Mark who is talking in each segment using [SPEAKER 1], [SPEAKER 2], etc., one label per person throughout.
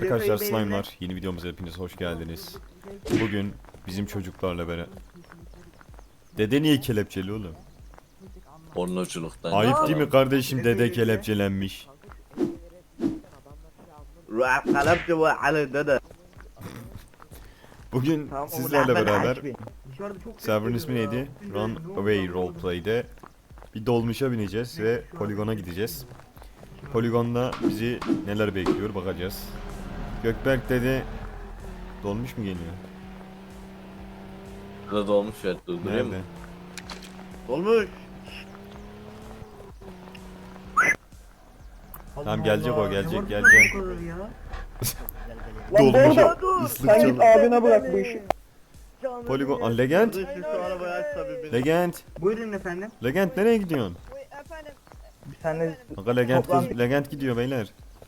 [SPEAKER 1] Arkadaşlar slime'lar, yeni videomuza hepiniz hoş geldiniz. Bugün bizim çocuklarla beraber... Dede niye kelepçeli oğlum?
[SPEAKER 2] Pornoculuktan.
[SPEAKER 1] Ayıp değil mi kardeşim, dede kelepçelenmiş. Bugün sizlerle beraber server'ın ismi neydi? Runaway Roleplay'de bir dolmuşa bineceğiz ve poligona gideceğiz. Poligonda bizi neler bekliyor bakacağız. Gökberk dedi, dolmuş mu geliyor?
[SPEAKER 2] Burada dolmuş evet, durdurayım mı?
[SPEAKER 1] Nerede?
[SPEAKER 3] Olmuş.
[SPEAKER 1] Tamam gelecek o, gelecek.
[SPEAKER 4] Lan
[SPEAKER 1] Dolmuş
[SPEAKER 4] Borda,
[SPEAKER 1] ıslık
[SPEAKER 4] sen git
[SPEAKER 1] çalıyor.
[SPEAKER 4] abine bırak bu işi.
[SPEAKER 1] Poligon, Legend?
[SPEAKER 3] Şu arabayı aç tabii beni.
[SPEAKER 1] Legend?
[SPEAKER 4] Buyurun efendim.
[SPEAKER 1] Legend nereye gidiyorsun?
[SPEAKER 5] Efendim,
[SPEAKER 4] Bir tane
[SPEAKER 1] Aga Legend,
[SPEAKER 4] Toplan-
[SPEAKER 1] Legend gidiyor beyler.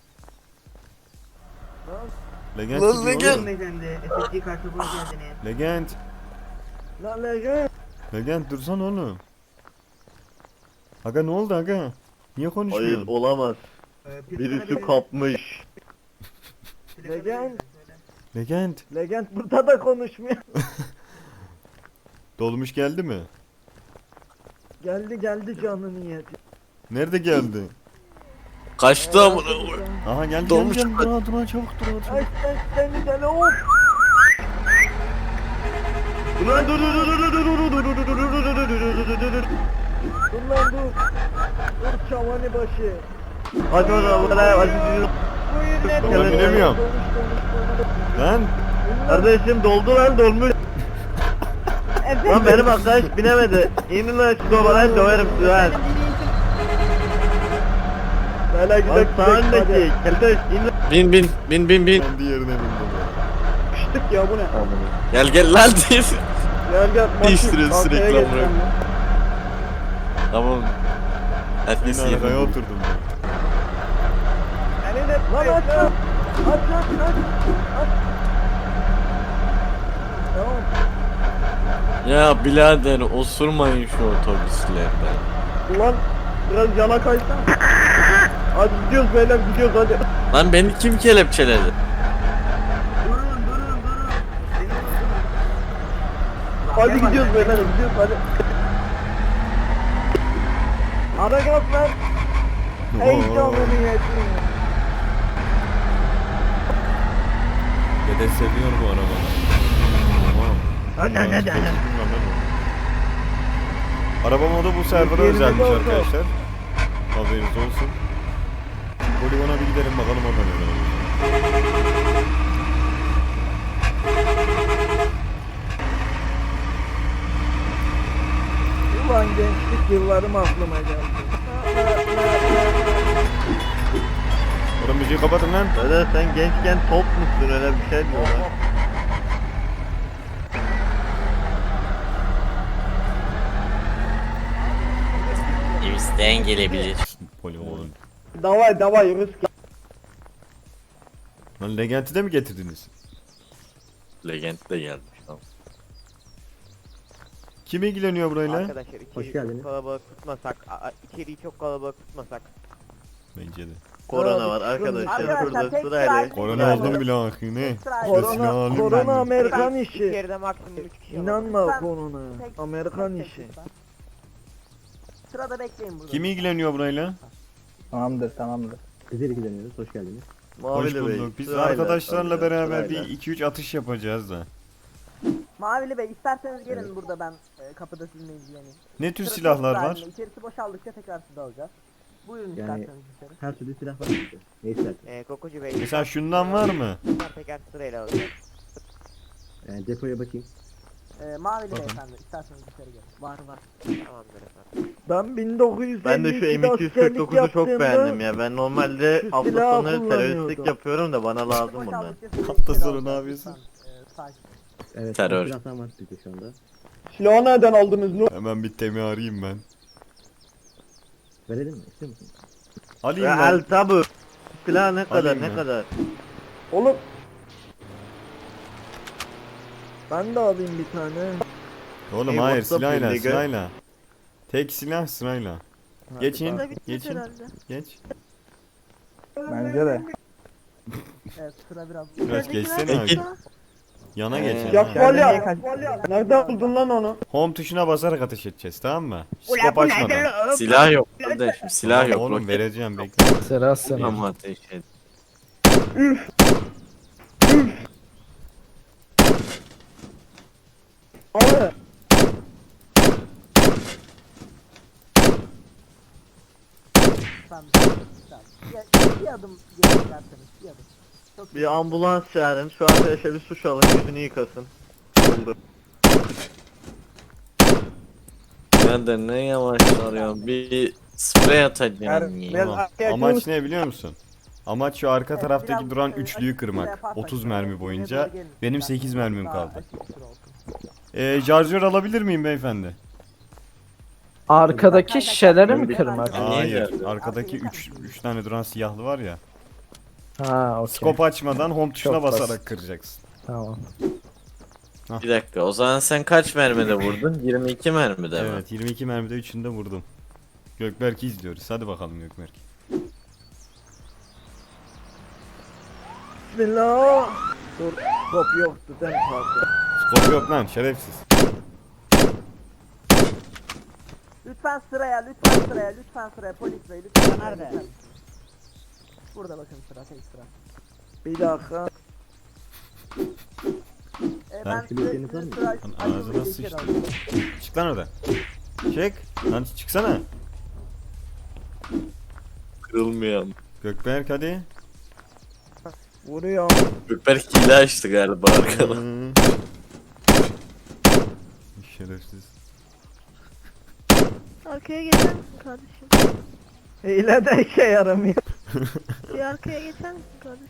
[SPEAKER 1] Legend
[SPEAKER 2] Lan
[SPEAKER 1] gidiyor
[SPEAKER 2] Legend!
[SPEAKER 1] oğlum.
[SPEAKER 4] beyefendi. SSD kartı hoş geldiniz.
[SPEAKER 1] Legend.
[SPEAKER 4] Lan Legend.
[SPEAKER 1] Legend dursan oğlum. Aga ne oldu aga? Niye
[SPEAKER 3] Hayır
[SPEAKER 1] konuşmuyorsun?
[SPEAKER 3] olamaz. Birisi kapmış.
[SPEAKER 4] Legend.
[SPEAKER 1] Legend.
[SPEAKER 4] Legend burada da konuşmuyor.
[SPEAKER 1] Dolmuş geldi mi?
[SPEAKER 4] Geldi canı niyeti.
[SPEAKER 1] Nerede geldi?
[SPEAKER 2] Kaçtı amına koyayım.
[SPEAKER 1] Aha geldi
[SPEAKER 2] Dolmuş
[SPEAKER 1] geldi. Dur çabuk dur.
[SPEAKER 4] Ay sen seni deli hop.
[SPEAKER 3] Ulan dur.
[SPEAKER 4] Dur lan dur. Dur çavani başı.
[SPEAKER 3] Hadi hadi.
[SPEAKER 4] Buyur
[SPEAKER 1] Ben binemiyorum. Lan
[SPEAKER 3] Kardeşim doldu lan dolmuş. Lan benim arkadaş binemedi. İnin lan şu dobalayı döverim sizi lan.
[SPEAKER 4] Hele
[SPEAKER 3] Lan
[SPEAKER 4] gidelim.
[SPEAKER 3] sağındaki. Kardeş in lan.
[SPEAKER 2] Bin.
[SPEAKER 1] ben diğerine bindim.
[SPEAKER 4] Piştik ya bu ne?
[SPEAKER 2] Gel lan diye.
[SPEAKER 4] Gel.
[SPEAKER 2] Değiştiriyoruz
[SPEAKER 4] Arkaya
[SPEAKER 2] sürekli
[SPEAKER 4] geç
[SPEAKER 2] amına.
[SPEAKER 4] sen de.
[SPEAKER 2] Tamam. Herkes
[SPEAKER 1] Yine arkaya
[SPEAKER 2] iyi.
[SPEAKER 1] oturdum.
[SPEAKER 4] Beni de lan aç. Tamam.
[SPEAKER 2] Ya birader osurmayın şu otobüslerden.
[SPEAKER 4] Ulan biraz yana kaysan. Hadi gidiyoruz beyler gidiyoruz hadi.
[SPEAKER 2] Lan beni kim kelepçeledi?
[SPEAKER 4] Durun. Hadi gidiyoruz beyler gidiyoruz hadi. Ara gaz ver. Ey canlı niyetin.
[SPEAKER 1] Dede seviyor bu arabayı.
[SPEAKER 4] Hadi.
[SPEAKER 1] Araba modu bu server'a
[SPEAKER 4] Yerine
[SPEAKER 1] özelmiş
[SPEAKER 4] doldu.
[SPEAKER 1] arkadaşlar. Haberiniz olsun. Poligona bir gidelim bakalım orada neler olur.
[SPEAKER 4] Ulan gençlik yıllarım aklıma geldi.
[SPEAKER 1] Oğlum müziği kapatın lan.
[SPEAKER 3] Dede sen gençken top musun öyle bir şey diyorlar.
[SPEAKER 2] İsteyen gelebilir.
[SPEAKER 1] Poligon.
[SPEAKER 4] Davay rüzgar.
[SPEAKER 1] Lan Legend'i de mi getirdiniz?
[SPEAKER 2] Legend de gelmiş tamam.
[SPEAKER 1] Kim ilgileniyor burayla?
[SPEAKER 6] Arkadaşlar içeriği çok kalabalık tutmasak, içeriği çok kalabalık tutmasak.
[SPEAKER 1] Bence de.
[SPEAKER 3] Korona var arkadaşlar şurada sırayla.
[SPEAKER 1] Korona oldum bile akı ne?
[SPEAKER 4] Korona Amerikan işi.
[SPEAKER 6] İçeride maksimum 3 kişi alabilir.
[SPEAKER 4] İnanma korona. Amerikan işi.
[SPEAKER 5] sırada bekleyin burada.
[SPEAKER 1] Kim ilgileniyor burayla?
[SPEAKER 7] Tamamdır. Biz ilgileniyoruz. Hoş geldiniz.
[SPEAKER 1] Hoş
[SPEAKER 3] Mavili Bey,
[SPEAKER 1] bulduk. Biz
[SPEAKER 3] sırayla,
[SPEAKER 1] arkadaşlarla beraber
[SPEAKER 3] sırayla.
[SPEAKER 1] bir 2-3 atış yapacağız da.
[SPEAKER 5] Mavili Bey isterseniz gelin burada ben kapıda sizinle ilgileneyim.
[SPEAKER 1] Ne tür
[SPEAKER 5] Sırası
[SPEAKER 1] silahlar
[SPEAKER 5] halinde,
[SPEAKER 1] var?
[SPEAKER 5] İçerisi boşaldıkça tekrar sizi alacağız. Buyurun
[SPEAKER 7] Yani-
[SPEAKER 5] isterseniz içeri.
[SPEAKER 7] Her türlü silah var bizde. Ne istersen.
[SPEAKER 6] Kokocu Bey,
[SPEAKER 1] Mesela şundan var mı?
[SPEAKER 6] teker sırayla alacağız.
[SPEAKER 7] Depoya bakayım.
[SPEAKER 5] Mavili
[SPEAKER 1] Bakın.
[SPEAKER 5] Beyefendi isterseniz içeri gelin. Var.
[SPEAKER 6] Tamamdır efendim.
[SPEAKER 4] Ben 1952'de
[SPEAKER 3] Ben de şu M249'u çok beğendim ya. Ben normalde
[SPEAKER 4] şu
[SPEAKER 3] hafta
[SPEAKER 4] silahı
[SPEAKER 3] sonu teröristlik
[SPEAKER 4] kullanıyordum.
[SPEAKER 3] yapıyorum da bana lazım bunlar.
[SPEAKER 5] Boşaldıkça sizi
[SPEAKER 1] Hafta
[SPEAKER 5] içeri
[SPEAKER 1] sonu ne
[SPEAKER 5] alacağız.
[SPEAKER 1] yapıyorsun?
[SPEAKER 5] Lütfen, sakin.
[SPEAKER 7] Evet.
[SPEAKER 2] Terör.
[SPEAKER 7] Silahlar var bizde şu anda.
[SPEAKER 4] Silahı nereden aldınız lan?
[SPEAKER 1] Hemen bir temi arayayım ben.
[SPEAKER 7] Verelim mi? İstiyor musun?
[SPEAKER 1] Alayım
[SPEAKER 3] Ya
[SPEAKER 1] ben.
[SPEAKER 3] el tabu. Silah ne kadar
[SPEAKER 1] Alayım
[SPEAKER 3] ne
[SPEAKER 1] ben.
[SPEAKER 3] kadar?
[SPEAKER 4] Oğlum. Ben de alayım bir tane.
[SPEAKER 1] Oğlum
[SPEAKER 3] Hey,
[SPEAKER 1] hayır
[SPEAKER 3] WhatsApp
[SPEAKER 1] sırayla
[SPEAKER 3] birliği.
[SPEAKER 1] sırayla. Tek silah sırayla. Geçin.
[SPEAKER 5] Burada bitmiş
[SPEAKER 1] Geçin.
[SPEAKER 5] herhalde.
[SPEAKER 1] Geç.
[SPEAKER 4] Bence de.
[SPEAKER 5] Evet sıra biraz.
[SPEAKER 1] Biraz geçsene
[SPEAKER 2] Peki.
[SPEAKER 1] abi. Yana geç.
[SPEAKER 2] Ee,
[SPEAKER 1] yana.
[SPEAKER 4] Falya. Nereden buldun lan onu?
[SPEAKER 1] Home tuşuna basarak ateş edeceğiz, tamam mı? Skop açmadan.
[SPEAKER 2] Silah yok kardeşim, silah
[SPEAKER 1] Tamam
[SPEAKER 2] yok.
[SPEAKER 1] oğlum,
[SPEAKER 2] Roket
[SPEAKER 1] vereceğim, bekle.
[SPEAKER 7] Sıra sıra.
[SPEAKER 2] ama ateş et.
[SPEAKER 4] Abi.
[SPEAKER 5] Tamam. Bir adım geri isterseniz. Bir adım. Çok
[SPEAKER 3] Bir ambulans çağırın. Şu arkadaşa bir suç alın. Yüzünü yıkasın. Oldu.
[SPEAKER 2] Ben de ne yavaş arıyorum. Bir sprey atacağım ya.
[SPEAKER 1] Tamam. Amaç ne biliyor musun? Amaç şu arka taraftaki
[SPEAKER 5] biraz,
[SPEAKER 1] duran
[SPEAKER 5] e,
[SPEAKER 1] üçlüyü
[SPEAKER 5] açık
[SPEAKER 1] kırmak.
[SPEAKER 5] yaparsak
[SPEAKER 1] 30
[SPEAKER 5] böyle
[SPEAKER 1] mermi
[SPEAKER 5] geriye
[SPEAKER 1] boyunca.
[SPEAKER 5] doğru gelin.
[SPEAKER 1] Benim
[SPEAKER 5] Daha
[SPEAKER 1] 8 mermim
[SPEAKER 5] daha
[SPEAKER 1] kaldı.
[SPEAKER 5] açık bir süre olsun.
[SPEAKER 1] Şarjör alabilir miyim beyefendi?
[SPEAKER 7] Arkadaki şişeleri mi kırmak?
[SPEAKER 1] Hayır.
[SPEAKER 2] geldi?
[SPEAKER 1] Arkadaki 3 tane duran siyahlı var ya.
[SPEAKER 7] Ha okey.
[SPEAKER 1] Skop açmadan home tuşuna
[SPEAKER 7] Çok basit.
[SPEAKER 1] basarak kıracaksın.
[SPEAKER 7] Tamam.
[SPEAKER 2] Bir dakika, o zaman sen kaç mermide vurdun? 22 mermide mi?
[SPEAKER 1] Evet, 22 mermide 3'ünde vurdum. Gökberk'i izliyoruz. Hadi bakalım Gökberk.
[SPEAKER 4] Bismillah. Dur. Top yoktu sen kalktın.
[SPEAKER 1] Skop yok lan, şerefsiz.
[SPEAKER 5] Lütfen sıraya, lütfen sıraya, lütfen sıraya. Polis bey, lütfen. Nerede? Burada bakın sıra, tek sıra.
[SPEAKER 4] Bir dakika.
[SPEAKER 5] Ben
[SPEAKER 1] Lan,
[SPEAKER 5] size sıra
[SPEAKER 1] Lan ağzına sıçtı. Çık lan oradan. Çık. Lan çıksana.
[SPEAKER 2] Kırılmıyor.
[SPEAKER 1] Gökberk hadi.
[SPEAKER 4] Vuruyor.
[SPEAKER 2] Gökberk hile açtı galiba arkada.
[SPEAKER 1] Hmm. Şerefsiz.
[SPEAKER 8] Arkaya geçer misin kardeşim?
[SPEAKER 4] Hile de işe yaramıyor.
[SPEAKER 8] Bir arkaya geçer misin kardeşim?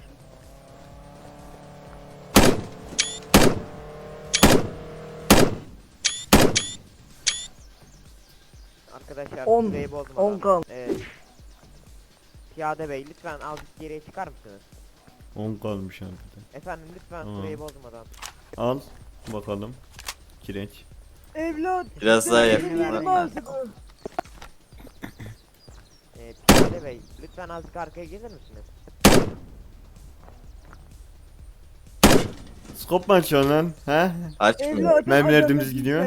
[SPEAKER 6] Arkadaşlar
[SPEAKER 4] On-
[SPEAKER 6] süreyi bozmadan.
[SPEAKER 4] 10 kal.
[SPEAKER 6] Piyade bey lütfen azıcık geriye çıkar mısınız?
[SPEAKER 1] 10 kalmış arkada.
[SPEAKER 6] Efendim lütfen
[SPEAKER 1] Tamam.
[SPEAKER 6] süreyi bozmadan.
[SPEAKER 1] Al. Bakalım. Kireç.
[SPEAKER 4] Evlat.
[SPEAKER 2] Biraz daha
[SPEAKER 4] Benim
[SPEAKER 2] yakın.
[SPEAKER 4] artık.
[SPEAKER 6] Piyade bey lütfen azıcık arkaya gelir misiniz?
[SPEAKER 1] Skop mu açıyorsun lan? He?
[SPEAKER 2] Açmıyor.
[SPEAKER 4] Evlat.
[SPEAKER 1] Mermiler dümdüz gidiyor.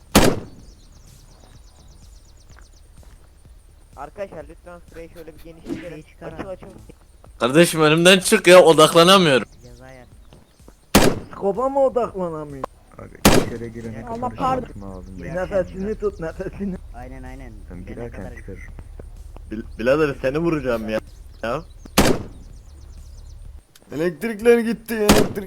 [SPEAKER 6] Arkadaşlar lütfen süreyi şöyle bir genişletelim. Açıl açıl.
[SPEAKER 2] Kardeşim önümden çık ya, odaklanamıyorum.
[SPEAKER 4] Skopa mı odaklanamıyor?
[SPEAKER 8] Allah pardon.
[SPEAKER 4] Nefesini tut nefesini.
[SPEAKER 5] Aynen aynen.
[SPEAKER 3] Birader seni vuracağım ya. Ya.
[SPEAKER 1] Elektrikler gitti, elektrik.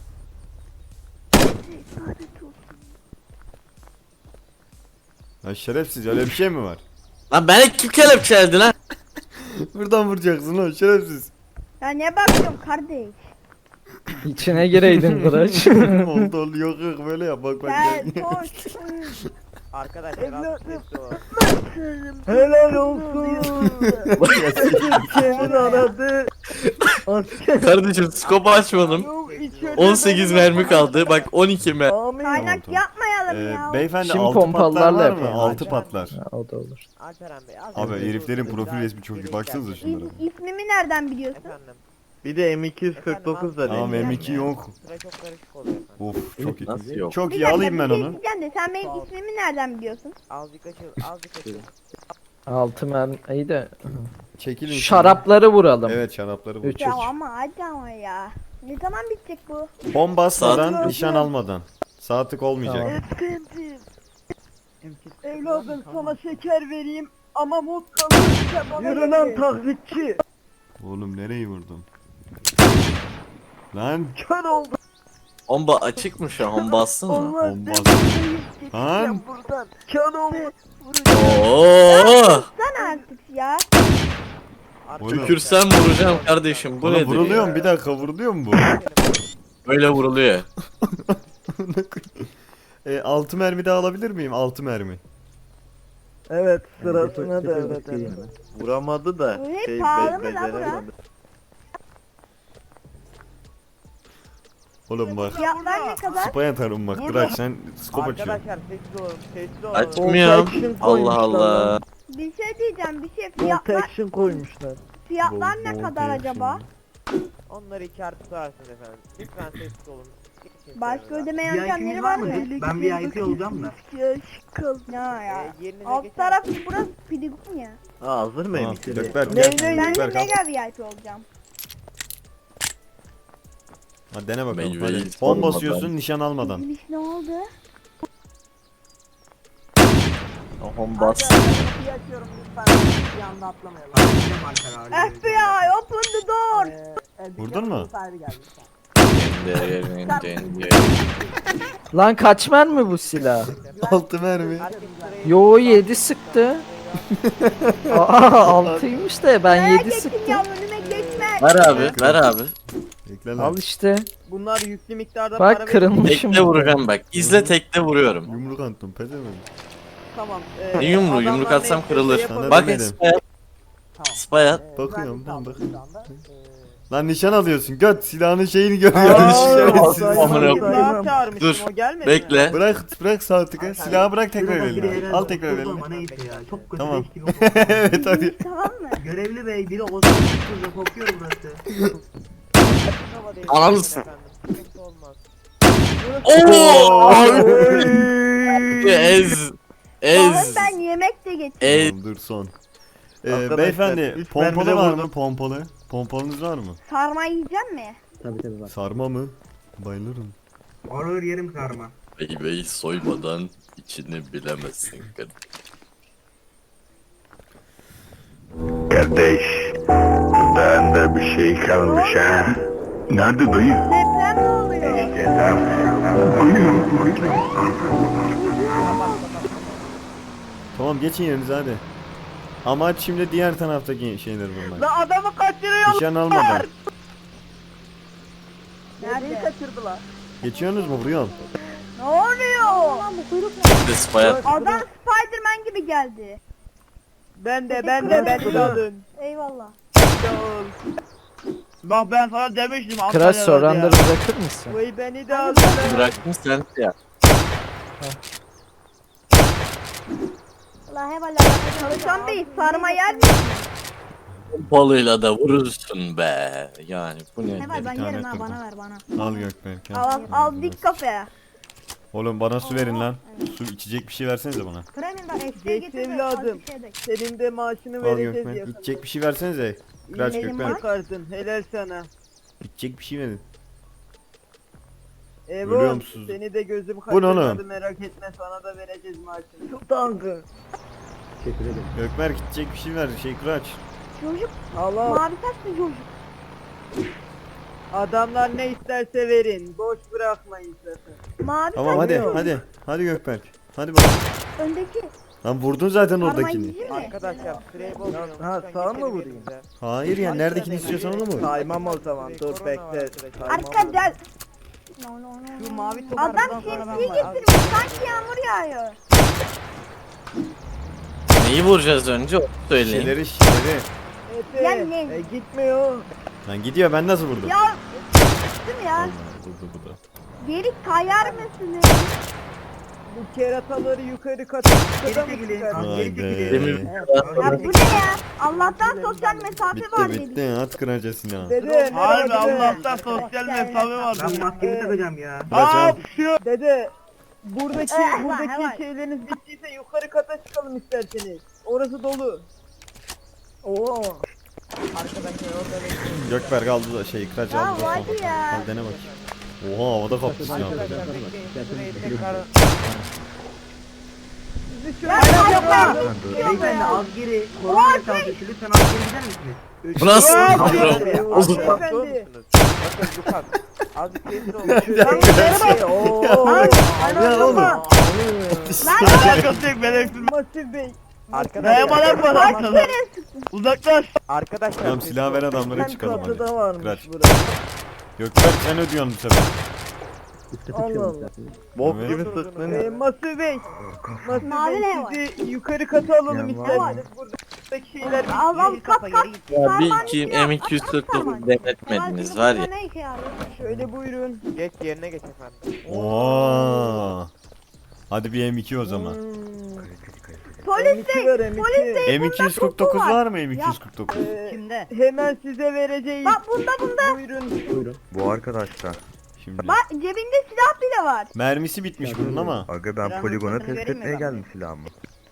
[SPEAKER 1] Ya şerefsiz, öyle bir şey mi var?
[SPEAKER 2] Lan beni kim kelepçeledi lan?
[SPEAKER 1] Buradan vuracaksın lan şerefsiz.
[SPEAKER 8] Ya ne bakıyorum kardeş?
[SPEAKER 7] İçine gireydin Kıraç.
[SPEAKER 1] Oldu oldu, yok yok böyle yap, bak bak.
[SPEAKER 8] Gel
[SPEAKER 1] gel.
[SPEAKER 8] koş.
[SPEAKER 6] Arkadaşlar azıcık sesli olun.
[SPEAKER 4] Helal olsun. Senin aradı. Asker.
[SPEAKER 2] Kardeşim skopu açmadım. 18 mermi kaldı. Bak 12 mermi.
[SPEAKER 4] Amin.
[SPEAKER 8] Kaynak
[SPEAKER 1] Tamam.
[SPEAKER 8] yapmayalım ya.
[SPEAKER 1] Beyefendi
[SPEAKER 7] Şimdi
[SPEAKER 1] 6 patlar
[SPEAKER 7] pompalılarla
[SPEAKER 1] var mı?
[SPEAKER 7] yapalım.
[SPEAKER 1] 6 patlar.
[SPEAKER 7] Ha, o da olur.
[SPEAKER 6] Alperen bey azıcık
[SPEAKER 1] Abi
[SPEAKER 6] sesli
[SPEAKER 1] heriflerin
[SPEAKER 6] olun.
[SPEAKER 1] profil
[SPEAKER 6] Daha
[SPEAKER 1] resmi çok iyi,
[SPEAKER 6] geriye
[SPEAKER 1] baksanıza
[SPEAKER 6] gel.
[SPEAKER 1] şunlara.
[SPEAKER 8] İsmimi nereden biliyorsun?
[SPEAKER 6] Efendim.
[SPEAKER 3] Bir de M249 da
[SPEAKER 1] Tamam,
[SPEAKER 3] değil.
[SPEAKER 1] M2 yok.
[SPEAKER 6] Süre çok karışık oluyor efendim.
[SPEAKER 1] Of çok iyi.
[SPEAKER 2] Nasıl yok?
[SPEAKER 1] Çok
[SPEAKER 8] Bir
[SPEAKER 1] iyi,
[SPEAKER 8] dakika,
[SPEAKER 1] alayım ben
[SPEAKER 8] bir şey
[SPEAKER 1] onu.
[SPEAKER 8] diyeceğim de sen benim ismimi nereden biliyorsun?
[SPEAKER 6] Azıcık açıl, azıcık açıl.
[SPEAKER 7] 6 mermi. İyi de.
[SPEAKER 1] Çekilin. şimdi.
[SPEAKER 7] Şarapları vuralım.
[SPEAKER 1] Evet, şarapları bu.
[SPEAKER 7] Üç.
[SPEAKER 8] Ya ama hadi ama ya. Ne zaman bitecek bu?
[SPEAKER 1] Bomba basmadan,
[SPEAKER 2] Saat-
[SPEAKER 1] nişan almadan. Saatlik olmayacak.
[SPEAKER 7] Tamam.
[SPEAKER 8] Sıkıntı.
[SPEAKER 4] Evladım sana şeker vereyim ama mutlu Yürü lan taklitçi.
[SPEAKER 1] Oğlum nereyi vurdun? Lan
[SPEAKER 4] Kör oldu.
[SPEAKER 2] Bomba açık mı şu an? Bassın mı?
[SPEAKER 4] Olmaz.
[SPEAKER 1] bomba.
[SPEAKER 4] Ben
[SPEAKER 1] Lan
[SPEAKER 4] buradan. Kör oldu.
[SPEAKER 2] Oo!
[SPEAKER 8] Sen artık ya.
[SPEAKER 1] Oğlum.
[SPEAKER 2] Tükürsem vuracağım kardeşim. Bu
[SPEAKER 1] Oğlum
[SPEAKER 2] nedir
[SPEAKER 1] vuruluyor
[SPEAKER 2] ya?
[SPEAKER 1] mu? Bir dakika, vuruluyor mu bu?
[SPEAKER 2] Böyle vuruluyor.
[SPEAKER 1] 6 mermi daha alabilir miyim? 6 mermi.
[SPEAKER 4] Evet sırasına devlet edin.
[SPEAKER 3] Vuramadı da.
[SPEAKER 8] Bu ne, pahalı mı lan
[SPEAKER 3] beceremedi.
[SPEAKER 1] Oğlum bak.
[SPEAKER 8] Fiyatlar ne kadar?
[SPEAKER 1] Spy atarım bak. Bırak sen skop açıyorsun.
[SPEAKER 6] Arkadaşlar sessiz olun, sessiz olun.
[SPEAKER 2] Açmıyorum.
[SPEAKER 4] Protection
[SPEAKER 2] Allah
[SPEAKER 4] koymuşlar
[SPEAKER 2] Allah.
[SPEAKER 4] lan.
[SPEAKER 8] Bir şey diyeceğim, bir şey fiyatlar
[SPEAKER 4] Protection koymuşlar.
[SPEAKER 8] ne kadar acaba?
[SPEAKER 6] Onları 2 artı tutarsınız efendim. Lütfen sessiz olun. Geçin
[SPEAKER 8] Başka
[SPEAKER 6] kenara.
[SPEAKER 8] ödeme yöntemleri var mı?
[SPEAKER 4] Ben VIP olacağım da.
[SPEAKER 8] Şıkkıl. Ne ya?
[SPEAKER 6] Yerinize
[SPEAKER 8] Alt
[SPEAKER 6] geçin.
[SPEAKER 8] taraf burası pidigum ya.
[SPEAKER 3] Hazır mıyım?
[SPEAKER 1] Tamam. Gökberk
[SPEAKER 4] Ne,
[SPEAKER 1] gel.
[SPEAKER 4] ne,
[SPEAKER 8] Ben de
[SPEAKER 1] Gökberk al.
[SPEAKER 8] mega VIP olacağım.
[SPEAKER 1] Hadi dene bakalım.
[SPEAKER 2] Meyveyi
[SPEAKER 1] Hadi. Bomba
[SPEAKER 2] sormadan.
[SPEAKER 1] basıyorsun nişan almadan.
[SPEAKER 8] Giriş ne oldu?
[SPEAKER 2] Aham bas.
[SPEAKER 5] Kapıyı açıyorum lütfen. Bir anda atlamayalım.
[SPEAKER 8] FBI open the door.
[SPEAKER 1] Vurdun mu?
[SPEAKER 5] Sahibi geldi.
[SPEAKER 9] Lan kaç mermi bu silah?
[SPEAKER 1] 6 mermi.
[SPEAKER 6] Herkes sırayı-
[SPEAKER 9] Yo 7 sıktı. Aa 6'ymış da ben 7
[SPEAKER 8] Geçin
[SPEAKER 9] sıktım.
[SPEAKER 8] ya önüme geçme.
[SPEAKER 2] Ver abi, ver abi.
[SPEAKER 1] Bekle lan.
[SPEAKER 9] Al işte.
[SPEAKER 4] Bunlar yüklü miktarda para
[SPEAKER 9] Bak kırılmışım.
[SPEAKER 2] Tekte vuracağım bak. İzle tekte vuruyorum.
[SPEAKER 1] Yumruk attım pezevenk.
[SPEAKER 4] Tamam.
[SPEAKER 2] Ne yumruğu?
[SPEAKER 4] adamlar
[SPEAKER 2] Yumruk atsam
[SPEAKER 4] neyse
[SPEAKER 2] kırılır.
[SPEAKER 4] yapalım.
[SPEAKER 2] Bak
[SPEAKER 1] demedim.
[SPEAKER 2] spayat. Spayat.
[SPEAKER 1] Bakıyorum
[SPEAKER 5] Ben
[SPEAKER 1] lan bak.
[SPEAKER 5] şu anda.
[SPEAKER 1] Lan nişan alıyorsun göt silahının şeyini görüyorsun.
[SPEAKER 4] Aa,
[SPEAKER 1] Şerefsiz.
[SPEAKER 2] Amına koyayım.
[SPEAKER 4] Daha çağırmıştım,
[SPEAKER 2] Dur,
[SPEAKER 4] o gelmedi
[SPEAKER 2] Bekle.
[SPEAKER 1] Bırak sağ tıkı silahı bırak tekrar eline. Al tekrar eline.
[SPEAKER 4] Çok kötü
[SPEAKER 1] Tamam.
[SPEAKER 4] leş gibi kokuyor.
[SPEAKER 1] Evet hadi.
[SPEAKER 8] Tamam mı?
[SPEAKER 4] Görevli bey biri o zaman kokuyor burası.
[SPEAKER 6] Hava değil,
[SPEAKER 2] Ananı
[SPEAKER 6] efendim. Sıkıntı olmaz.
[SPEAKER 2] Oo! Ez.
[SPEAKER 8] Oğlum
[SPEAKER 2] Ez.
[SPEAKER 8] ben yemek de getirdim.
[SPEAKER 2] Ez.
[SPEAKER 1] Tamam, dur son.
[SPEAKER 3] Arkadaşlar,
[SPEAKER 1] Beyefendi
[SPEAKER 3] üç
[SPEAKER 1] pompalı
[SPEAKER 3] mermide
[SPEAKER 1] var
[SPEAKER 3] vurdum.
[SPEAKER 1] mı pompalı? Pompalınız var mı?
[SPEAKER 8] Sarma yiyecek mi?
[SPEAKER 7] Tabii tabii bak.
[SPEAKER 1] Sarma mı? Bayılırım.
[SPEAKER 4] Ağır yerim karma.
[SPEAKER 2] Meyveyi soymadan içini bilemezsin.
[SPEAKER 10] Kardeş, bende bir şey kalmış ha. Nerede dayı?
[SPEAKER 8] Deprem ne oluyor?
[SPEAKER 1] Tamam geçin yerinize hadi. Amaç şimdi diğer taraftaki şeyleri vurmak.
[SPEAKER 4] La adamı kaçırıyor.
[SPEAKER 1] Nişan almadan.
[SPEAKER 5] Neredeyi kaçırdılar?
[SPEAKER 1] Geçiyorsunuz mu vuruyorum.
[SPEAKER 8] Ne oluyor? Lan bu kuyruk ne?
[SPEAKER 2] Bir de spayat.
[SPEAKER 8] Adam Spiderman gibi geldi.
[SPEAKER 4] Ben de beni de alın.
[SPEAKER 8] Eyvallah.
[SPEAKER 4] Bak ben sana demiştim.
[SPEAKER 9] Crash soranları bırakır mısın?
[SPEAKER 4] Vay beni de alın.
[SPEAKER 2] Bıraktın sen ya.
[SPEAKER 8] Allah hevallah. Çalışan bey sarma yer mi?
[SPEAKER 2] Pompalıyla da vurursun be. Yani bu ne?
[SPEAKER 8] Heval ben
[SPEAKER 1] bir tane
[SPEAKER 8] yerim ha
[SPEAKER 1] kırdım.
[SPEAKER 8] bana ver bana.
[SPEAKER 1] Al Gökberk.
[SPEAKER 8] Al dik kafaya.
[SPEAKER 1] Oğlum bana su verin lan. Su içecek bir şey versenize bana.
[SPEAKER 8] Kremin var eksiğe
[SPEAKER 4] Geç
[SPEAKER 8] getir.
[SPEAKER 4] evladım. Senin de maaşını
[SPEAKER 1] Al
[SPEAKER 4] vereceğiz
[SPEAKER 1] Gökberk.
[SPEAKER 4] yakında.
[SPEAKER 1] İçecek bir şey versenize. Kıraç
[SPEAKER 8] Benim
[SPEAKER 1] Gökberk.
[SPEAKER 4] Bakarsın helal sana.
[SPEAKER 1] İçecek bir şey verin.
[SPEAKER 4] Evo
[SPEAKER 1] Ölüyor musunuz?
[SPEAKER 4] seni de gözüm
[SPEAKER 1] Bu ne oğlum?
[SPEAKER 4] kaçırmadı merak etme sana da vereceğiz maaşını. Çok tankı.
[SPEAKER 7] Teşekkür ederim.
[SPEAKER 1] Gökberk içecek bir şey ver. Kıraç.
[SPEAKER 8] Çocuk
[SPEAKER 4] Allah
[SPEAKER 8] mavi saçlı çocuk.
[SPEAKER 4] adamlar ne isterse verin. Boş bırakmayın sakın.
[SPEAKER 8] Mavi
[SPEAKER 1] Tamam
[SPEAKER 8] saçlı
[SPEAKER 1] hadi
[SPEAKER 8] çocuk.
[SPEAKER 1] hadi. Hadi Gökberk. Hadi bakalım.
[SPEAKER 8] Öndeki
[SPEAKER 1] Lan vurdun zaten
[SPEAKER 8] sarma
[SPEAKER 1] oradakini.
[SPEAKER 8] yiyecek mi?
[SPEAKER 6] Arkadaşlar sırayı bozmayalım.
[SPEAKER 4] Ha,
[SPEAKER 6] Lütfen
[SPEAKER 4] sağa mı
[SPEAKER 6] geçelim
[SPEAKER 4] vurayım?
[SPEAKER 6] yerimize.
[SPEAKER 1] Hayır ya neredekini istiyorsan onu mu?
[SPEAKER 4] Saymam o zaman dur
[SPEAKER 6] Korona var
[SPEAKER 4] bekle.
[SPEAKER 6] arkadaşlar.
[SPEAKER 8] Arkadaşlar. No, no, no,
[SPEAKER 5] Şu
[SPEAKER 8] no.
[SPEAKER 5] mavi top
[SPEAKER 8] Adam
[SPEAKER 5] arabadan sonra ben
[SPEAKER 8] şemsiye
[SPEAKER 5] varım.
[SPEAKER 8] getirmiş sanki yağmur yağıyor.
[SPEAKER 2] Neyi vuracağız önce onu söyleyin.
[SPEAKER 1] Şişleri.
[SPEAKER 4] Efe
[SPEAKER 8] Ya ne?
[SPEAKER 4] gitmiyor.
[SPEAKER 1] Lan gidiyor ben nasıl vurdum?
[SPEAKER 8] Ya değil mi ya?
[SPEAKER 1] Allah, vurdu bu da.
[SPEAKER 8] Geri kayar mısınız?
[SPEAKER 4] Bu kerataları yukarı kata mı çıkar?
[SPEAKER 1] Vay be.
[SPEAKER 2] Demir
[SPEAKER 8] Ya bu ne ya? Allah'tan sosyal mesafe var
[SPEAKER 1] Bitti
[SPEAKER 8] dedik.
[SPEAKER 1] bitti at kıracasını.
[SPEAKER 4] Dede
[SPEAKER 3] Harbi
[SPEAKER 4] nereye gidiyorsun?
[SPEAKER 3] Allah'tan sosyal mesafe var.
[SPEAKER 4] Ben maskemi takacağım ya.
[SPEAKER 1] Kıraç al.
[SPEAKER 4] Dede buradaki
[SPEAKER 8] hemen.
[SPEAKER 4] şeyleriniz bittiyse yukarı kata çıkalım isterseniz. Orası dolu. Oo.
[SPEAKER 1] Gökberk aldı da Kıraç
[SPEAKER 8] Ya
[SPEAKER 1] aldı da
[SPEAKER 8] hadi
[SPEAKER 1] son.
[SPEAKER 8] ya.
[SPEAKER 1] Al dene bak. Oha havada kaptı silahı.
[SPEAKER 6] Arkadaşlar bekleyin sırayı tekrar.
[SPEAKER 8] Ya kayar.
[SPEAKER 4] Beyefendi az geri korona mesafesi lütfen az geri gider misiniz?
[SPEAKER 2] Bu nasıl?
[SPEAKER 4] Beyefendi.
[SPEAKER 6] Bakın Lukas. Azıcık sessiz olun.
[SPEAKER 1] Ya oğlum.
[SPEAKER 3] Alakası yok ben
[SPEAKER 4] Masif Bey.
[SPEAKER 6] Arkadaşlar.
[SPEAKER 3] Dayaman yapma sana. Uzaklaş.
[SPEAKER 6] Arkadaşlar.
[SPEAKER 1] Tamam
[SPEAKER 6] sessiz
[SPEAKER 1] silah ver
[SPEAKER 6] olun.
[SPEAKER 1] adamlara
[SPEAKER 4] Ben
[SPEAKER 1] çıkalım hadi.
[SPEAKER 4] kapıda varmış
[SPEAKER 1] Kıraç.
[SPEAKER 4] burası.
[SPEAKER 1] Gökberk sen ödüyorsun bu sefer.
[SPEAKER 7] Üstte
[SPEAKER 4] Allah
[SPEAKER 7] tutuyorum
[SPEAKER 4] Allah.
[SPEAKER 7] isterseniz.
[SPEAKER 3] Bok
[SPEAKER 1] Evet.
[SPEAKER 3] gibi sırtlanıyor.
[SPEAKER 4] Masif Bey. Masif
[SPEAKER 8] Mavi
[SPEAKER 4] Bey
[SPEAKER 8] ne var?
[SPEAKER 4] sizi yukarı kata alalım
[SPEAKER 7] Ya,
[SPEAKER 4] isterseniz. Buradaki şeyler
[SPEAKER 8] Al al kat kat.
[SPEAKER 2] Ya bir
[SPEAKER 8] Sarman
[SPEAKER 2] iki
[SPEAKER 8] istiyor, kat,
[SPEAKER 2] M249
[SPEAKER 8] kat,
[SPEAKER 2] denetmediniz
[SPEAKER 8] sarman.
[SPEAKER 2] var ya.
[SPEAKER 8] Ne işe yarıyor?
[SPEAKER 4] Şöyle buyurun.
[SPEAKER 6] Geç yerine geç efendim.
[SPEAKER 1] Oo. Hadi bir M2 o zaman.
[SPEAKER 8] Polis
[SPEAKER 3] M2
[SPEAKER 8] bey,
[SPEAKER 3] ver, M2.
[SPEAKER 8] polis bey.
[SPEAKER 1] M249 var mı M249?
[SPEAKER 4] Kimde?
[SPEAKER 3] Hemen size vereceğiz.
[SPEAKER 8] Bak bunda.
[SPEAKER 3] Buyurun.
[SPEAKER 10] Bu arkadaşlar.
[SPEAKER 1] Şimdi.
[SPEAKER 8] Bak cebinde silah bile var.
[SPEAKER 1] Mermisi bitmiş bunun ama.
[SPEAKER 10] Aga ben
[SPEAKER 4] Silahın
[SPEAKER 10] poligona
[SPEAKER 4] ruhsatını
[SPEAKER 10] test
[SPEAKER 4] vereyim mi
[SPEAKER 10] etmeye
[SPEAKER 4] ben?
[SPEAKER 10] geldim silahımı.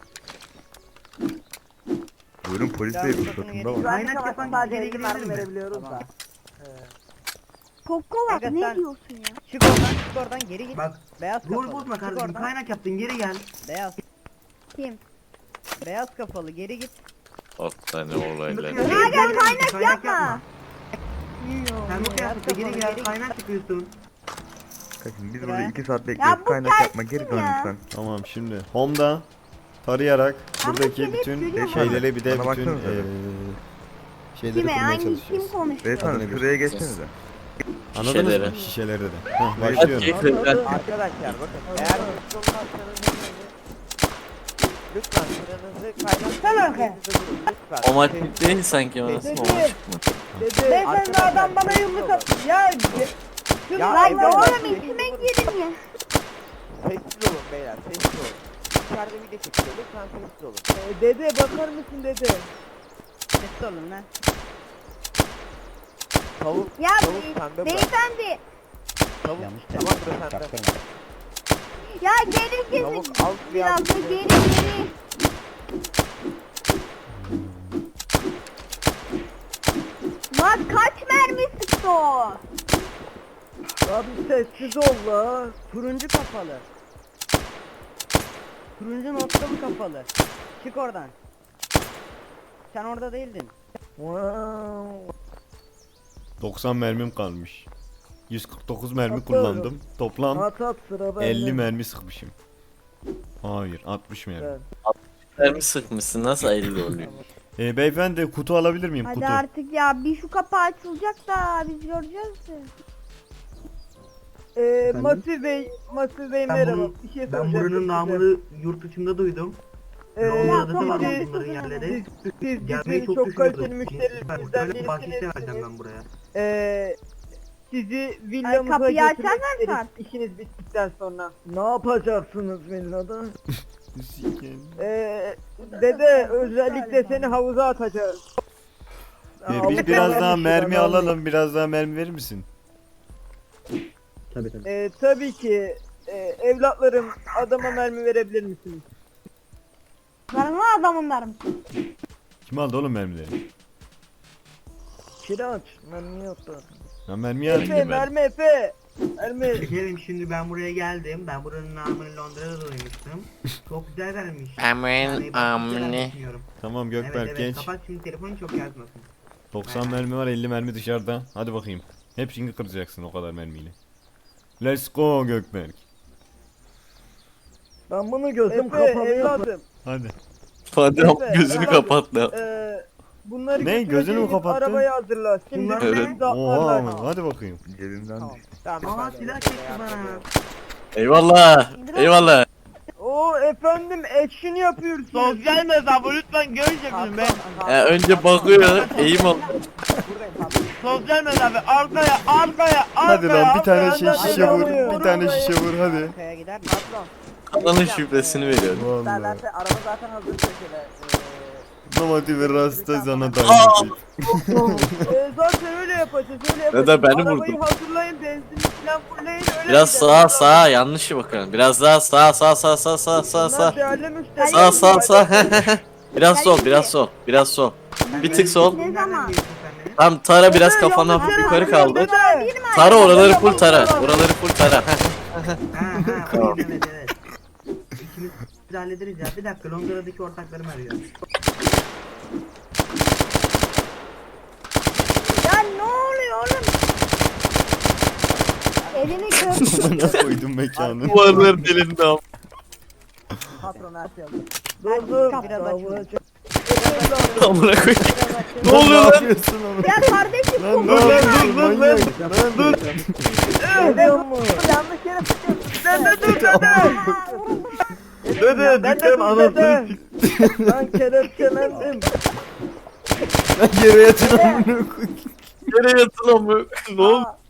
[SPEAKER 10] Buyurun polis
[SPEAKER 4] Silahın
[SPEAKER 10] bey
[SPEAKER 4] ruhsatını
[SPEAKER 10] ruhsatında
[SPEAKER 4] vereyim.
[SPEAKER 10] var.
[SPEAKER 5] Kaynak
[SPEAKER 4] yapan
[SPEAKER 5] yapan sadece
[SPEAKER 4] geri
[SPEAKER 5] 50
[SPEAKER 4] girelim
[SPEAKER 5] mermi
[SPEAKER 4] mi?
[SPEAKER 5] verebiliyoruz da.
[SPEAKER 8] Kokkolak
[SPEAKER 4] Aga
[SPEAKER 8] ne
[SPEAKER 4] sen-
[SPEAKER 8] diyorsun ya?
[SPEAKER 4] Çık oradan geri git.
[SPEAKER 3] Bak,
[SPEAKER 4] Beyaz
[SPEAKER 3] rol
[SPEAKER 4] kafalı.
[SPEAKER 3] bozma
[SPEAKER 4] Çık
[SPEAKER 3] kardeşim.
[SPEAKER 4] oradan.
[SPEAKER 3] Kaynak yaptın geri gel.
[SPEAKER 4] Beyaz.
[SPEAKER 8] Kim?
[SPEAKER 4] Beyaz kafalı geri git.
[SPEAKER 2] Hastane olayları.
[SPEAKER 8] Ya gel kaynak yapma.
[SPEAKER 3] Sen bu kıyafetle geri gel. Kaynak yapıyorsun.
[SPEAKER 10] Kaçın biz
[SPEAKER 4] Ya.
[SPEAKER 10] burada 2 saat
[SPEAKER 8] Ya
[SPEAKER 10] bekliyoruz.
[SPEAKER 8] bu
[SPEAKER 10] Kaynak yapma geri
[SPEAKER 8] gelsin
[SPEAKER 10] dön
[SPEAKER 8] ya.
[SPEAKER 10] lütfen.
[SPEAKER 1] Tamam şimdi. Home'da tarayarak buradaki
[SPEAKER 8] seni
[SPEAKER 1] bütün
[SPEAKER 8] görüyorum.
[SPEAKER 1] şeyleri bir de
[SPEAKER 10] Bana
[SPEAKER 1] bütün
[SPEAKER 10] baksanıza bir.
[SPEAKER 1] şeyleri
[SPEAKER 8] Kime?
[SPEAKER 1] kurmaya
[SPEAKER 8] Hangi kim
[SPEAKER 1] çalışacağız.
[SPEAKER 8] konuşuyor?
[SPEAKER 10] Beyefendi
[SPEAKER 1] Adını
[SPEAKER 10] şuraya geçsenize.
[SPEAKER 1] Anladınız
[SPEAKER 2] Şişeleri.
[SPEAKER 1] mı? Şişeleri de. Heh,
[SPEAKER 2] Hadi
[SPEAKER 1] başlıyorum.
[SPEAKER 2] keyifler.
[SPEAKER 6] Arkadaşlar bakın eğer hızlı olmazsanız lütfen sıranızı kaynatmayın. Lütfen.
[SPEAKER 2] O maç değil sanki orası. O maç mı?
[SPEAKER 4] Beyefendi adam bana yumruk at. Ya.
[SPEAKER 6] Ya
[SPEAKER 8] Lan
[SPEAKER 6] evladım,
[SPEAKER 8] oğlum
[SPEAKER 6] sessiz
[SPEAKER 8] içime
[SPEAKER 6] olun.
[SPEAKER 8] girdin ya.
[SPEAKER 6] Sessiz olun beyler sessiz olun. İçeride video çekiyor lütfen sessiz olun.
[SPEAKER 3] Dede bakar mısın dede?
[SPEAKER 4] Sessiz olun lan.
[SPEAKER 6] Tavuk,
[SPEAKER 8] Ya
[SPEAKER 6] tavuk sende bırak.
[SPEAKER 8] beyefendi.
[SPEAKER 6] Tavuk tamam bırak sende.
[SPEAKER 8] Ya geri
[SPEAKER 6] Tavuk
[SPEAKER 8] kesin.
[SPEAKER 6] al
[SPEAKER 8] Biraz
[SPEAKER 6] biraz.
[SPEAKER 8] da geri. Lan kaç mermi sıktı o?
[SPEAKER 3] Abi sessiz ol la.
[SPEAKER 4] Turuncu kafalı. Turuncu noktalı kafalı. Çık oradan. Sen orada değildin.
[SPEAKER 3] Wow.
[SPEAKER 1] 90 mermim kalmış. 149 mermi
[SPEAKER 3] Atıyorum.
[SPEAKER 1] kullandım. Toplam
[SPEAKER 3] At at sıra bende.
[SPEAKER 1] 50 mermi sıkmışım. Hayır 60 mermi.
[SPEAKER 3] Evet.
[SPEAKER 2] Mermi sıkmışsın nasıl 50 oluyor?
[SPEAKER 1] Beyefendi kutu alabilir miyim?
[SPEAKER 8] Hadi
[SPEAKER 1] Kutu.
[SPEAKER 8] artık ya bir şu kapı açılacak da biz göreceğiz de.
[SPEAKER 3] Masif Bey
[SPEAKER 7] Ben
[SPEAKER 3] merhaba.
[SPEAKER 7] bunu-
[SPEAKER 3] Bir şey
[SPEAKER 7] Ben
[SPEAKER 3] soracağım
[SPEAKER 7] buranın
[SPEAKER 3] size.
[SPEAKER 7] namını yurt dışında duydum. Londra'da da var
[SPEAKER 8] tamam.
[SPEAKER 7] bunların yerleri.
[SPEAKER 3] Siz
[SPEAKER 7] Gelmeyi
[SPEAKER 3] çok,
[SPEAKER 7] çok
[SPEAKER 3] kaliteli
[SPEAKER 7] düşünüyordum.
[SPEAKER 3] müşterilerimizden
[SPEAKER 7] Böyle bahşiş
[SPEAKER 3] birisiniz.
[SPEAKER 7] vereceğim ben buraya.
[SPEAKER 3] Sizi villamıza
[SPEAKER 8] kapıyı
[SPEAKER 3] götürmek
[SPEAKER 8] açarlar
[SPEAKER 3] isteriz
[SPEAKER 8] mı?
[SPEAKER 3] işiniz bittikten sonra. Ne yapacaksınız villada? Dede özellikle seni havuza atacağız.
[SPEAKER 1] Biz biraz daha
[SPEAKER 3] Alışamamış
[SPEAKER 1] mermi
[SPEAKER 3] adam.
[SPEAKER 1] alalım. Biraz daha mermi verir misin?
[SPEAKER 3] Tabii ki evlatlarım adama mermi verebilir misiniz?
[SPEAKER 8] Karınlı adamınlar mı?
[SPEAKER 1] Kim aldı oğlum mermileri?
[SPEAKER 3] Kiraç mermi yoktu.
[SPEAKER 1] Ya mermi aldım
[SPEAKER 3] Efe
[SPEAKER 1] ben.
[SPEAKER 3] mermi Efe. Mermi.
[SPEAKER 7] Şekerim şimdi ben buraya geldim. Ben buranın namını Londra'da duymuştum. Çok güzel vermiş.
[SPEAKER 2] Aman
[SPEAKER 7] Yani ben güzel
[SPEAKER 2] amne.
[SPEAKER 7] düşünüyorum.
[SPEAKER 1] Tamam Gökberk
[SPEAKER 7] Evet
[SPEAKER 1] genç.
[SPEAKER 7] kapat şimdi telefonu çok yazmasın.
[SPEAKER 1] 90 mermi var 50 mermi dışarıda. Hadi bakayım. Hepsini kıracaksın o kadar mermiyle. Let's go Gökberk.
[SPEAKER 3] Ben bunu gözüm kapalı evladım.
[SPEAKER 1] Hadi.
[SPEAKER 2] Hadi
[SPEAKER 3] Efe,
[SPEAKER 2] gözünü
[SPEAKER 3] evladım,
[SPEAKER 2] kapat lan.
[SPEAKER 3] Bunları
[SPEAKER 1] Ne, gözünü mü
[SPEAKER 3] götüreceğiniz
[SPEAKER 1] kapattın?
[SPEAKER 3] Arabayı hazırla. Şimdi
[SPEAKER 7] Bunlar
[SPEAKER 2] Evet.
[SPEAKER 3] bizi de
[SPEAKER 1] Oha
[SPEAKER 3] atlarlar.
[SPEAKER 1] hadi bakayım.
[SPEAKER 10] Cebimden
[SPEAKER 6] Tamam.
[SPEAKER 10] düştü.
[SPEAKER 6] Tamam.
[SPEAKER 7] Aa
[SPEAKER 6] efendim,
[SPEAKER 7] silah
[SPEAKER 6] oraya
[SPEAKER 7] çekti bana.
[SPEAKER 6] yapıyorum.
[SPEAKER 2] Eyvallah. Eyvallah.
[SPEAKER 3] Oo efendim action yapıyorsunuz.
[SPEAKER 4] Sosyal mesafe lütfen görüşelim be.
[SPEAKER 2] Önce bakıyor. Eğim al.
[SPEAKER 4] Sosyal mesafe arkaya arkaya
[SPEAKER 1] Hadi lan bir tane
[SPEAKER 3] arkaya,
[SPEAKER 1] şişe vur.
[SPEAKER 3] arkaya,
[SPEAKER 1] Bir tane
[SPEAKER 3] arkaya.
[SPEAKER 1] şişe vur hadi.
[SPEAKER 4] Arkaya gider mi?
[SPEAKER 2] Kanalın şifresini veriyorum.
[SPEAKER 1] Vallahi.
[SPEAKER 5] Derlerse araba zaten hazır köşede.
[SPEAKER 1] Domates ve rasta sana dayanacak.
[SPEAKER 3] Zaten öyle yapacağız öyle yapacağız.
[SPEAKER 2] Ya da beni
[SPEAKER 3] Arabayı
[SPEAKER 2] vurdun.
[SPEAKER 3] hazırlayın benzin falan fulleyin öyle
[SPEAKER 2] Biraz
[SPEAKER 3] gideriz.
[SPEAKER 2] sağa yanlış bakıyorum. Biraz daha sağ.
[SPEAKER 3] Bunlar değerli müşteri.
[SPEAKER 2] Sağ. Biraz sol biraz sol. Bir tık sol.
[SPEAKER 8] Ne zaman?
[SPEAKER 2] Tam tara biraz kafana hafif yukarı kaldı. Tara oraları full tara. Oraları full tara.
[SPEAKER 7] Tamam. Evet. İkimiz biz hallederiz ya. Bir dakika Londra'daki ortaklarım arıyor.
[SPEAKER 8] Ya ne oluyor oğlum? Elini kır.
[SPEAKER 1] Bana koydum mekanı.
[SPEAKER 2] Duvarların elinde am.
[SPEAKER 5] Patron her şey hazır.
[SPEAKER 3] Dur
[SPEAKER 8] Biraz
[SPEAKER 3] vuracak.
[SPEAKER 2] Amına koyayım.
[SPEAKER 1] Ne
[SPEAKER 2] oluyor lan?
[SPEAKER 1] yapıyorsun oğlum?
[SPEAKER 8] Ya kardeşim
[SPEAKER 1] Lan ne yapıyorsun manyak?
[SPEAKER 5] Yanlış yere sıkıyorsun.
[SPEAKER 3] Dede dur dede.
[SPEAKER 1] Dede
[SPEAKER 3] dükkan anasını Ben kelepçelendim.
[SPEAKER 1] Lan yere yatır amına koyayım.
[SPEAKER 2] Nereye yatın amına? Ne oldu?